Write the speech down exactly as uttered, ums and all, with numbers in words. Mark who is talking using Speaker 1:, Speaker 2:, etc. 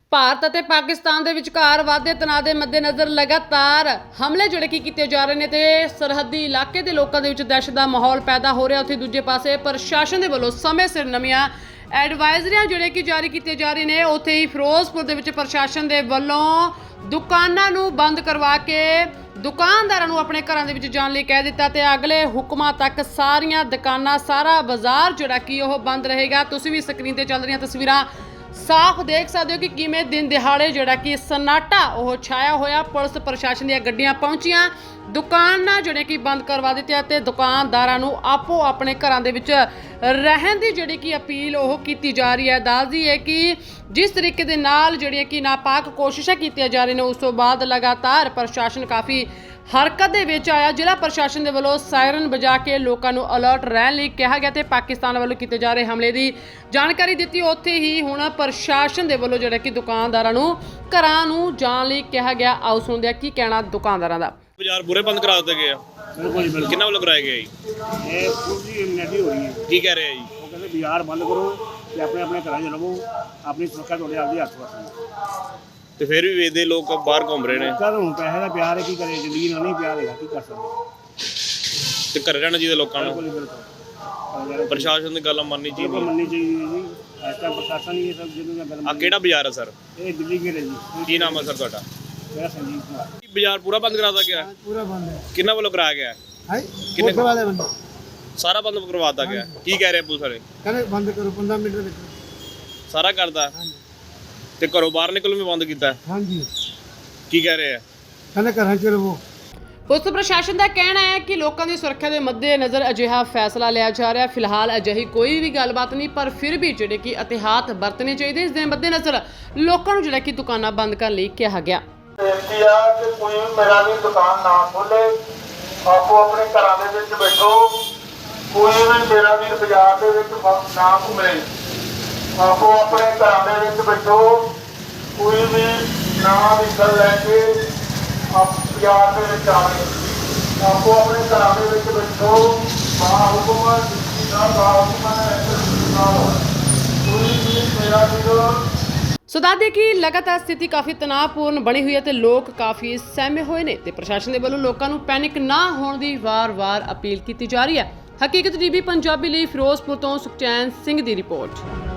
Speaker 1: ਭਾਰਤ ਅਤੇ ਪਾਕਿਸਤਾਨ ਦੇ ਵਿਚਕਾਰ ਵਾਧੇ ਤਣਾਅ ਦੇ ਮੱਦੇਨਜ਼ਰ ਲਗਾਤਾਰ ਹਮਲੇ ਜਿਹੜੇ ਕੀ ਕੀਤੇ ਜਾ ਰਹੇ ਨੇ ਤੇ ਸਰਹੱਦੀ ਇਲਾਕੇ ਦੇ ਲੋਕਾਂ ਦੇ ਵਿੱਚ ਦਹਿਸ਼ਤ ਦਾ ਮਾਹੌਲ ਪੈਦਾ ਹੋ ਰਿਹਾ। ਉੱਥੇ ਦੂਜੇ ਪਾਸੇ ਪ੍ਰਸ਼ਾਸਨ ਦੇ ਵੱਲੋਂ ਸਮੇਂ ਸਿਰ ਨਵੀਆਂ ਐਡਵਾਈਜ਼ਰੀਆਂ ਜਿਹੜੇ ਕਿ ਜਾਰੀ ਕੀਤੀਆਂ ਜਾ ਰਹੀਆਂ ਨੇ। ਉੱਥੇ ਹੀ ਫਿਰੋਜ਼ਪੁਰ ਦੇ ਵਿੱਚ ਪ੍ਰਸ਼ਾਸਨ ਦੇ ਵੱਲੋਂ ਦੁਕਾਨਾਂ ਨੂੰ ਬੰਦ ਕਰਵਾ ਕੇ ਦੁਕਾਨਦਾਰਾਂ ਨੂੰ ਆਪਣੇ ਘਰਾਂ ਦੇ ਵਿੱਚ ਜਾਣ ਲਈ ਕਹਿ ਦਿੱਤਾ ਤੇ ਅਗਲੇ ਹੁਕਮਾਂ ਤੱਕ ਸਾਰੀਆਂ ਦੁਕਾਨਾਂ ਸਾਰਾ ਬਾਜ਼ਾਰ ਜਿਹੜਾ ਕਿ ਉਹ ਬੰਦ ਰਹੇਗਾ। ਤੁਸੀਂ ਵੀ ਸਕਰੀਨ ਤੇ ਚੱਲ ਰਹੀਆਂ ਤਸਵੀਰਾਂ ਸਾਫ਼ ਦੇਖ ਸਕਦੇ ਹੋ ਕਿ ਕਿਵੇਂ ਦਿਨ ਦਿਹਾੜੇ ਜਿਹੜਾ ਕਿ ਸन्नाटा ਉਹ ਛਾਇਆ ਹੋਇਆ। ਪੁਲਿਸ ਪ੍ਰਸ਼ਾਸਨ ਦੀਆਂ ਗੱਡੀਆਂ ਪਹੁੰਚੀਆਂ, ਦੁਕਾਨਾਂ ਜਿਹੜੇ ਕਿ ਬੰਦ ਕਰਵਾ ਦਿੱਤੀਆਂ ਤੇ ਦੁਕਾਨਦਾਰਾਂ ਨੂੰ ਆਪੋ ਆਪਣੇ ਘਰਾਂ ਦੇ ਵਿੱਚ ਰਹਿਣ ਦੀ ਜਿਹੜੀ ਕਿ ਅਪੀਲ ਉਹ ਕੀਤੀ ਜਾ ਰਹੀ ਹੈ। ਦੱਸਦੀ ਹੈ ਕਿ ਜਿਸ ਤਰੀਕੇ ਦੇ ਨਾਲ ਜਿਹੜੀਆਂ ਕਿ ਨਾਪਾਕ ਕੋਸ਼ਿਸ਼ਾਂ ਕੀਤੀਆਂ ਜਾ ਰਹੀਆਂ ਨੇ, ਉਸ ਤੋਂ ਬਾਅਦ ਲਗਾਤਾਰ ਪ੍ਰਸ਼ਾਸਨ ਕਾਫੀ ਹਰਕਤ ਦੇ ਵਿੱਚ ਆਇਆ। ਜ਼ਿਲ੍ਹਾ ਪ੍ਰਸ਼ਾਸਨ ਦੇ ਵੱਲੋਂ ਸਾਇਰਨ ਵਜਾ ਕੇ ਲੋਕਾਂ ਨੂੰ ਅਲਰਟ ਰਹਿਣ ਲਈ ਕਿਹਾ ਗਿਆ ਤੇ ਪਾਕਿਸਤਾਨ ਵੱਲੋਂ ਕੀਤੇ ਜਾ ਰਹੇ ਹਮਲੇ ਦੀ ਜਾਣਕਾਰੀ ਦਿੱਤੀ। ਉੱਥੇ ਹੀ ਹੁਣ ਪ੍ਰਸ਼ਾਸਨ ਦੇ ਵੱਲੋਂ ਜਿਹੜਾ ਕਿ ਦੁਕਾਨਦਾਰਾਂ ਨੂੰ ਘਰਾਂ ਨੂੰ ਜਾਣ ਲਈ ਕਿਹਾ ਗਿਆ। ਆਓ ਸੁਣਦੇ ਹਾਂ ਕੀ ਕਹਿਣਾ ਦੁਕਾਨਦਾਰਾਂ ਦਾ।
Speaker 2: ਬਾਜ਼ਾਰ ਪੂਰੇ ਬੰਦ ਕਰਾ ਦਿੱਤੇ ਗਏ ਆ।
Speaker 3: ਬਿਲਕੁਲ ਜੀ ਬਿਲਕੁਲ।
Speaker 2: ਕਿੰਨਾ ਵੱਲੋਂ ਕਰਾਇਆ ਗਿਆ ਜੀ?
Speaker 3: ਇਹ ਪੂਰੀ ਇਮਿਊਨਿਟੀ ਹੋ ਰਹੀ ਹੈ।
Speaker 2: ਕੀ ਕਹਿ ਰਹੇ ਆ ਜੀ?
Speaker 3: ਉਹ ਕਹਿੰਦੇ ਬਾਜ਼ਾਰ ਬੰਦ ਕਰੋ ਤੇ ਆਪਣੇ ਆਪਣੇ ਘਰਾਂ 'ਚ ਰਹੋ, ਆਪਣੀ ਸੁਰੱਖਿਆ ਤੁਹਾਡੇ ਆਪਦੇ ਹੱਥ ਵਿੱਚ।
Speaker 2: ਤੇ ਫਿਰ ਵੀ ਵੇਚਦੇ ਲੋਕ ਬਾਹਰ ਘੁੰਮ ਰਹੇ ਨੇ।
Speaker 3: ਚੱਲ ਹੁਣ ਪੈਸੇ ਦਾ ਪਿਆਰ ਹੈ, ਕੀ ਕਰੇ, ਜ਼ਿੰਦਗੀ ਨਾਲ ਨਹੀਂ ਪਿਆਰ ਹੈਗਾ, ਕੀ ਕਰ ਸਕਦੇ।
Speaker 2: ਤੇ ਘਰੇ ਰਹਿਣਾ ਚਾਹੀਦਾ ਲੋਕਾਂ ਨੂੰ।
Speaker 3: ਬਿਲਕੁਲ ਬਿਲਕੁਲ।
Speaker 2: ਪ੍ਰਸ਼ਾਸਨ ਦੀ ਗੱਲ ਮੰਨਣੀ
Speaker 3: ਬਿਲਕੁਲ
Speaker 2: ਚਾਹੀਦੀ।
Speaker 3: ਮੰਨਣੀ ਚਾਹੀਦੀ ਹੈ ਜੀ। ਇਸ ਟਾਈਮ ਪ੍ਰਸ਼ਾਸਨ ਹੀ ਇਹ ਸਭ ਜਿਹਨੂੰ ਗੱਲ
Speaker 2: ਆ ਕਿਹੜਾ ਬਾਜ਼ਾਰ ਹੈ ਸਰ?
Speaker 3: ਇਹ ਦਿੱਲੀ ਗੇਟ ਹੈ ਜੀ।
Speaker 2: ਕੀ ਨਾਮ ਹੈ ਸਰ ਤੁਹਾਡਾ?
Speaker 3: ਮੇਰਾ ਸੰਜੀਵ ਕੁਮਾਰ।
Speaker 2: ਬਾਜ਼ਾਰ ਪੂਰਾ ਬੰਦ ਕਰਾ ਦਿੱਤਾ ਗਿਆ?
Speaker 4: पूरा बंद है।
Speaker 2: ਕਿੰਨਾ ਵੱਲੋਂ ਕਰਾਇਆ ਗਿਆ?
Speaker 4: हाय
Speaker 2: कितने-
Speaker 4: कोठे वाले बंद
Speaker 2: ਸਾਰਾ ਬੰਦ ਕਰਵਾ ਦਿੱਤਾ ਗਿਆ। ਕੀ ਕਹਿ ਰਹੇ ਪੁਲਿਸ ਵਾਲੇ?
Speaker 4: कहने बंद करो पंद्रह मिनट में।
Speaker 2: ਸਾਰਾ ਕਰਦਾ
Speaker 4: हाँ जी
Speaker 2: ਤੇ ਘਰੋਂ ਬਾਹਰ ਨਿਕਲਣ ਵੀ ਬੰਦ ਕੀਤਾ।
Speaker 4: हाँ जी
Speaker 2: ਕੀ ਕਹਿ ਰਹੇ ਆ?
Speaker 4: कहने घर चलो वो
Speaker 1: ਪੁਲਿਸ ਪ੍ਰਸ਼ਾਸਨ ਦਾ ਕਹਿਣਾ ਹੈ ਕਿ ਲੋਕਾਂ ਦੀ ਸੁਰੱਖਿਆ ਦੇ ਮੱਦੇਨਜ਼ਰ ਅਜਿਹਾ ਫੈਸਲਾ ਲਿਆ ਜਾ ਰਿਹਾ। ਫਿਲਹਾਲ ਅਜਿਹੀ ਕੋਈ ਵੀ ਗੱਲਬਾਤ ਨਹੀਂ, ਪਰ ਫਿਰ ਵੀ ਜਿਹੜੇ ਕਿ ਅਹਿਤਿਆਤ ਵਰਤਣੇ ਚਾਹੀਦੇ। ਇਸ ਦੇ ਮੱਦੇਨਜ਼ਰ ਲੋਕਾਂ ਨੂੰ ਜਿਹੜਾ ਕਿ ਦੁਕਾਨਾਂ ਬੰਦ ਕਰਨ ਲਈ ਕਿਹਾ ਗਿਆ।
Speaker 5: ਬੇਨਤੀ ਆ ਕਿ ਕੋਈ ਵੀ ਮੇਰਾ ਵੀ ਦੁਕਾਨ ਨਾ ਖੋਲੇ, ਆਪੋ ਆਪਣੇ ਘਰਾਂ ਦੇ ਵਿੱਚ ਬੈਠੋ। ਕੋਈ ਵੀ ਮੇਰਾ ਵੀ ਬਾਜ਼ਾਰ ਦੇ ਵਿੱਚ ਨਾ ਘੁੰਮੇ, ਆਪੋ ਆਪਣੇ ਘਰਾਂ ਦੇ ਵਿੱਚ ਬੈਠੋ। ਕੋਈ ਵੀ ਨਾ ਵਹੀਕਲ ਲੈ ਕੇ ਆਪ ਬਾਜ਼ਾਰ ਦੇ ਵਿੱਚ ਆਵੇ, ਆਪੋ ਆਪਣੇ ਘਰਾਂ ਦੇ ਵਿੱਚ ਬੈਠੋ। ਬਾ ਹੁਕਮ ਦਾ ਬਾ ਹੁਕਮ ਕੋਈ ਵੀ ਮੇਰਾ ਵੀ
Speaker 1: ਸੋ ਦੱਸਦੇ ਕਿ ਲਗਾਤਾਰ ਸਥਿਤੀ ਕਾਫੀ ਤਣਾਅਪੂਰਨ ਬਣੀ ਹੋਈ ਹੈ ਤੇ ਲੋਕ ਕਾਫੀ ਸਹਿਮੇ ਹੋਏ ਨੇ ਤੇ ਪ੍ਰਸ਼ਾਸਨ ਦੇ ਵੱਲੋਂ ਲੋਕਾਂ ਨੂੰ ਪੈਨਿਕ ਨਾ ਹੋਣ ਦੀ ਵਾਰ-ਵਾਰ ਅਪੀਲ ਕੀਤੀ ਜਾ ਰਹੀ ਹੈ। ਹਕੀਕਤ ਟੀਵੀ ਪੰਜਾਬੀ ਲਈ ਫਿਰੋਜ਼ਪੁਰ ਤੋਂ ਸੁਖਚੈਨ ਸਿੰਘ ਦੀ ਰਿਪੋਰਟ।